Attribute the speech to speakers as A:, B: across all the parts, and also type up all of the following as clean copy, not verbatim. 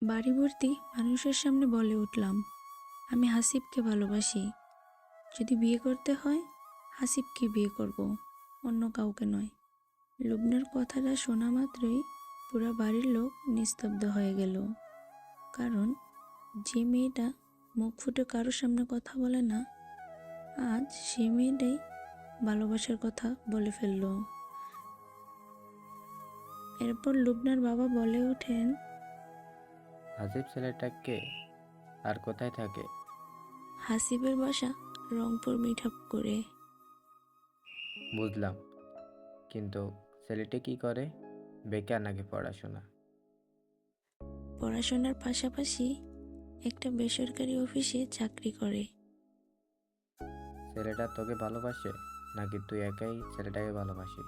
A: বাড়ি ভর্তি মানুষের সামনে বলে উঠলাম, আমি হাসিবকে ভালোবাসি। যদি বিয়ে করতে হয় হাসিবকে বিয়ে করব, অন্য কাউকে নয়। লুবনার কথাটা শোনা মাত্রই পুরা বাড়ির লোক নিস্তব্ধ হয়ে গেল। কারণ যে মেয়েটা মুখ ফুটে কারোর সামনে কথা বলে না, আজ সেই মেয়েটাই ভালোবাসার কথা বলে ফেলল। এরপর লুবনার বাবা বলে ওঠেন,
B: হাসিব ছেলেটা কে আর কোথায় থাকে?
A: হাসিবের বাসা রংপুর মিঠাপুকুরে।
B: বুঝলাম, কিন্তু ছেলেটি কি করে? বেকার নাকি পড়াশোনা?
A: পড়াশোনার পাশাপাশি একটা বেসরকারি অফিসে চাকরি করে।
B: ছেলেটা তোকে ভালোবাসে নাকি তুই একাই ছেলেটাকে ভালোবাসিস?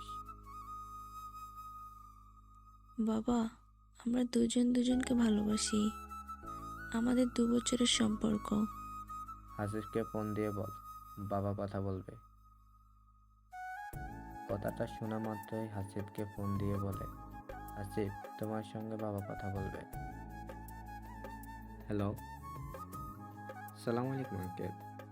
A: বাবা, আমরা দুজন দুজনকে ভালোবাসি। আমাদের 2 বছরের সম্পর্ক।
B: হাসিবকে ফোন দিয়ে বল, বাবা কথা বলবে। কথাটা শোনা মাত্রই হাসিবকে ফোন দিয়ে বলে, হাসিব, তোমার সঙ্গে বাবা কথা বলবে। হ্যালো, সালাম আলাইকুম আঙ্কেল।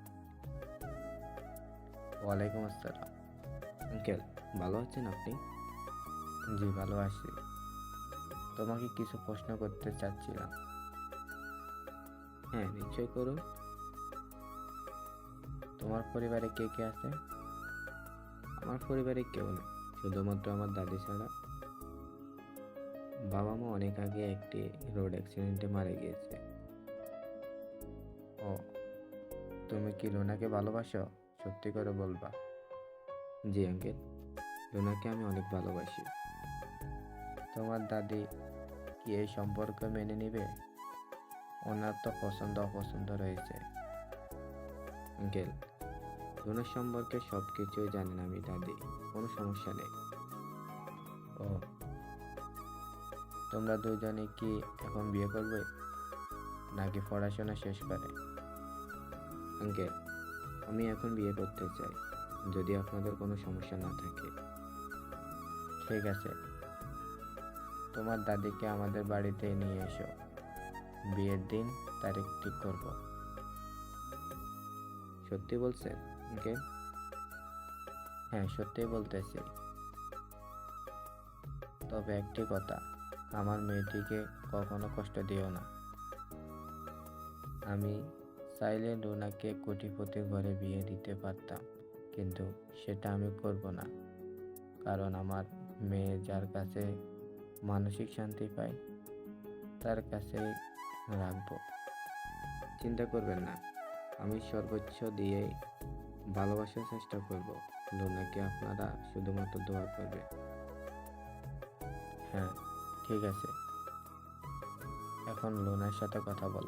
B: ওয়ালাইকুম আসসালাম। আঙ্কেল, ভালো আছেন আপনি? জি, ভালো আছি। তোমাকে কিছু প্রশ্ন করতে চাচ্ছিলাম। হ্যাঁ, নিশ্চয় করুন। তোমার পরিবারে কে কে আছে? আমার পরিবারে কেউ নেই, শুধুমাত্র আমার দাদি ছাড়া। বাবা মা অনেক আগে একটি রোড অ্যাক্সিডেন্টে মারা গিয়েছে। ও, তুমি কি লুনাকে ভালোবাসো? সত্যি করে বলবা। জি আঙ্কেল, লুনাকে আমি অনেক ভালোবাসি। তোমার দাদি কি এই সম্পর্ক মেনে নিবে? ওনার তো পছন্দ অপছন্দ রয়েছে। আঙ্কেল, লুনার সম্পর্কে সব কিছুই জানেন আমি দাদি, কোনো সমস্যা নেই। ও, তোমরা দুজনে কি এখন বিয়ে করবে নাকি পড়াশোনা শেষ করে? আঙ্কেল, আমি এখন বিয়ে করতে চাই, যদি আপনাদের কোনো সমস্যা না থাকে। ঠিক আছে, তোমার দাদিকে আমাদের বাড়িতে নিয়ে এসো, বিয়ের দিন তারিখ ঠিক করব। সত্যি বলছেন আঙ্কেল? হ্যাঁ, সত্যি বলতেছি। তবে একটি কথা, আমার মেয়েটিকে কখনো কষ্ট দিও না। আমি চাইলে লুনাকে কোটিপতি ঘরে বিয়ে দিতে পারতাম, কিন্তু সেটা আমি করব না। কারণ আমার মেয়ে যার কাছে মানসিক শান্তি পায় তার কাছেই রাখবো। চিন্তা করবেন না, আমি সর্বোচ্চ দিয়ে ভালোবাসার চেষ্টা করব। লুনাকে আপনারা শুধুমাত্র দোয়া করবে। হ্যাঁ, ঠিক আছে, এখন লুনার সাথে কথা বলো।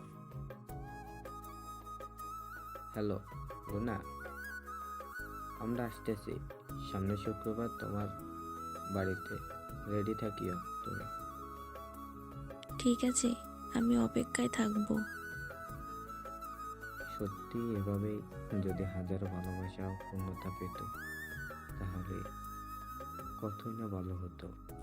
B: হ্যালো লুনা, আমরা আসতেছি সামনের শুক্রবার তোমার বাড়িতে। রেডি থাকিও তুমি।
A: ঠিক আছে, আমি অপেক্ষায় থাকবো।
B: সত্যি এভাবেই যদি হাজারো ভালোবাসা ও পূর্ণতা পেত, তাহলে কতই না ভালো হতো।